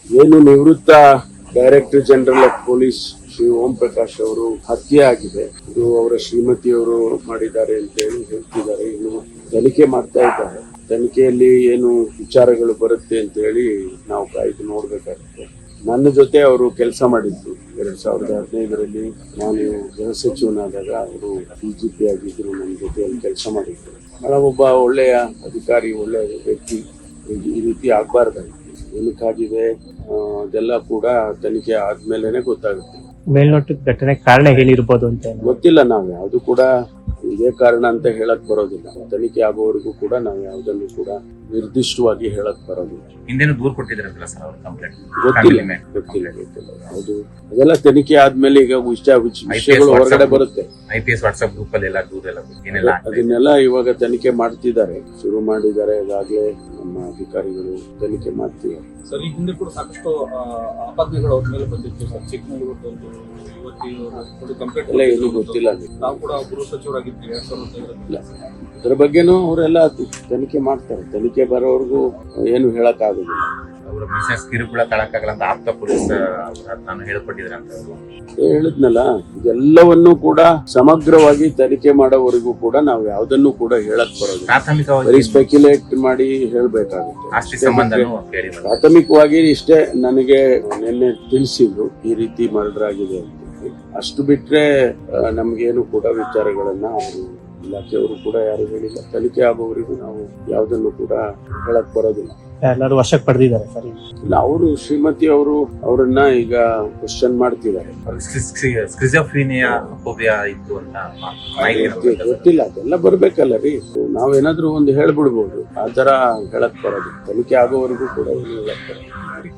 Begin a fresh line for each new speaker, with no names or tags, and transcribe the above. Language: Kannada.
ಏನು ನಿವೃತ್ತ director general of police Shri Om Prakash ಅವರು ಹತ್ಯೆ ಆಗಿದೆ. ಇದು ಅವರ ಶ್ರೀಮತಿಯವರು ಮಾಡಿದ್ದಾರೆ ಅಂತ ಹೇಳಿ ಹೇಳ್ತಿದ್ದಾರೆ. ಇನ್ನು ತನಿಖೆ ಮಾಡ್ತಾ ಇದ್ದಾರೆ. ತನಿಖೆಯಲ್ಲಿ ಏನು ವಿಚಾರಗಳು ಬರುತ್ತೆ ಅಂತ ಹೇಳಿ ನಾವು ಕಾಯ್ದು ನೋಡ್ಬೇಕಾಗುತ್ತೆ. ನನ್ನ ಜೊತೆ ಅವರು ಕೆಲಸ ಮಾಡಿದ್ರು 2015ರಲ್ಲಿ. ನಾನು ಗೃಹ ಸಚಿವನಾದಾಗ ಅವರು DGP ಆಗಿದ್ರು. ನನ್ನ ಜೊತೆಯಲ್ಲಿ ಕೆಲಸ ಮಾಡಿದ್ರು. ಒಬ್ಬ ಒಳ್ಳೆಯ ಅಧಿಕಾರಿ, ಒಳ್ಳೆಯ ವ್ಯಕ್ತಿ. ಈ ರೀತಿ ಆಗ್ಬಾರ್ದಾಗಿತ್ತು. ಏನಕ್ಕಾಗಿದೆ ಅದೆಲ್ಲ ಕೂಡ ತನಿಖೆ ಆದ್ಮೇಲೆನೆ ಗೊತ್ತಾಗುತ್ತೆ.
ಮೇಲ್ನೋಟದ ಘಟನೆ ಕಾರಣ ಹೇಳಿರ್ಬೋದು ಅಂತ
ಗೊತ್ತಿಲ್ಲ. ನಾವು ಯಾವ್ದು ಕೂಡ ಇದೇ ಕಾರಣ ಅಂತ ಹೇಳಕ್ ಬರೋದಿಲ್ಲ. ತನಿಖೆ ಆಗೋವರೆಗೂ ಕೂಡ ನಾವು ಯಾವುದನ್ನು ಕೂಡ ನಿರ್ದಿಷ್ಟವಾಗಿ ಹೇಳಕ್ ಬರೋದಿಲ್ಲ.
ಹಿಂದೇನು ದೂರ ಕೊಟ್ಟಿದ್ರಲ್ಲ ಸರ್ ಅವ್ರ ಕಂಪ್ಲೇಂಟ್?
ಗೊತ್ತಿಲ್ಲ ಹೌದು. ಅದೆಲ್ಲ ತನಿಖೆ ಆದ್ಮೇಲೆ ಈಗ ವಿಷಯಗಳು ಹೊರಗಡೆ ಬರುತ್ತೆ.
IPS ವಾಟ್ಸ್ಆಪ್ ಗ್ರೂಪ್ ಅಲ್ಲಿ ಎಲ್ಲ ದೂರ ಎಲ್ಲ
ಅದನ್ನೆಲ್ಲ ಇವಾಗ ತನಿಖೆ ಮಾಡ್ತಿದ್ದಾರೆ, ಶುರು ಮಾಡಿದ್ದಾರೆ. ಅದಾಗ್ಲೇ ನಮ್ಮ ಅಧಿಕಾರಿಗಳು ತನಿಖೆ ಮಾಡ್ತಿದ್ದಾರೆ.
ಸರ್, ಈ ಹಿಂದೆ ಕೂಡ ಸಾಕಷ್ಟು ಆಪಾದನೆಗಳು ಅವ್ರ ಮೇಲೆ ಬಂದಿತ್ತು ಸರ್. ಚಿಕ್ಕಮಗಳೂರು ಕಂಪ್ಲೇಂಟ್
ಎಲ್ಲ ಏನು ಗೊತ್ತಿಲ್ಲ.
ನಾವು ಕೂಡ ಗೃಹ ಸಚಿವರಾಗಿದ್ದೀವಿ 2015.
ಅದ್ರ ಬಗ್ಗೆನೂ ಅವರೆಲ್ಲ ತನಿಖೆ ಮಾಡ್ತಾರೆ. ತನಿಖೆ ಬರೋವರೆಗೂ ಏನು ಹೇಳಕ್ ಆಗುದಿಲ್ಲ.
ಅವರ ಮಿಸಸ್ ಕಿರುಕುಳ ತಳಕಾಗಲ್ಲ ಅಂತ ಆಪ್ತ ಪೊಲೀಸ್ ನಾನು ಹೇಳ್ಕೊಟ್ಟಿದ್ರೆ ಅಂತ
ಹೇಳಿದ್ನಲ್ಲ. ಇದೆಲ್ಲವನ್ನೂ ಕೂಡ ಸಮಗ್ರವಾಗಿ ತನಿಖೆ ಮಾಡೋವರೆಗೂ ಕೂಡ ನಾವು ಯಾವ್ದನ್ನು ಕೂಡ ಹೇಳಕ್ ಬರೋದು.
ಪ್ರಾಥಮಿಕವಾಗಿ
ಸ್ಪೆಕ್ಯುಲೇಟ್ ಮಾಡಿ ಹೇಳ್ಬೇಕಾಗುತ್ತೆ.
ಆಸ್ತಿ ಸಂಬಂಧನೂ ಕೇಳಿ
ಪ್ರಾಥಮಿಕವಾಗಿ ಇಷ್ಟೇ ನನಗೆ ನಿನ್ನೆ ತಿಳಿಸಿದ್ರು, ಈ ರೀತಿ ಮರ್ಡರ್ ಆಗಿದೆ ಅಂತ. ಅಷ್ಟು ಬಿಟ್ರೆ ನಮ್ಗೇನು ಕೂಡ ವಿಚಾರಗಳನ್ನ ಅವರು ಇಲಾಖೆಯವರು ಕೂಡ ಯಾರು ಹೇಳಿಲ್ಲ. ತನಿಖೆ ಆಗೋವರೆಗೂ ನಾವು ಯಾವ್ದನ್ನು ಕೂಡ ಹೇಳಕ್ ಬರೋದಿಲ್ಲ.
ಎಲ್ಲರೂ ವಶಕ್ಕೆ ಪಡೆದಿದ್ದಾರೆ ಸರ್.
ಇಲ್ಲ, ಅವರು ಶ್ರೀಮತಿ ಅವರು ಅವರನ್ನ ಈಗ ಕ್ವಶನ್ ಮಾಡ್ತಿದ್ದಾರೆ.
ಸ್ಕಿಜೋಫ್ರೀನಿಯಾ ಫೋಬಿಯಾ ಇತ್ತು ಅಂತ
ಗೊತ್ತಿಲ್ಲ. ಅದೆಲ್ಲ ಬರ್ಬೇಕಲ್ಲ ರೀ. ನಾವೇನಾದ್ರೂ ಒಂದು ಹೇಳ್ಬಿಡ್ಬೋದು. ಆ ತರ ಹೇಳಕ್ ಬರೋದು. ತನಿಖೆ ಆಗೋವರೆಗೂ ಕೂಡ ಹೇಳಕ್ ಬರೋದು.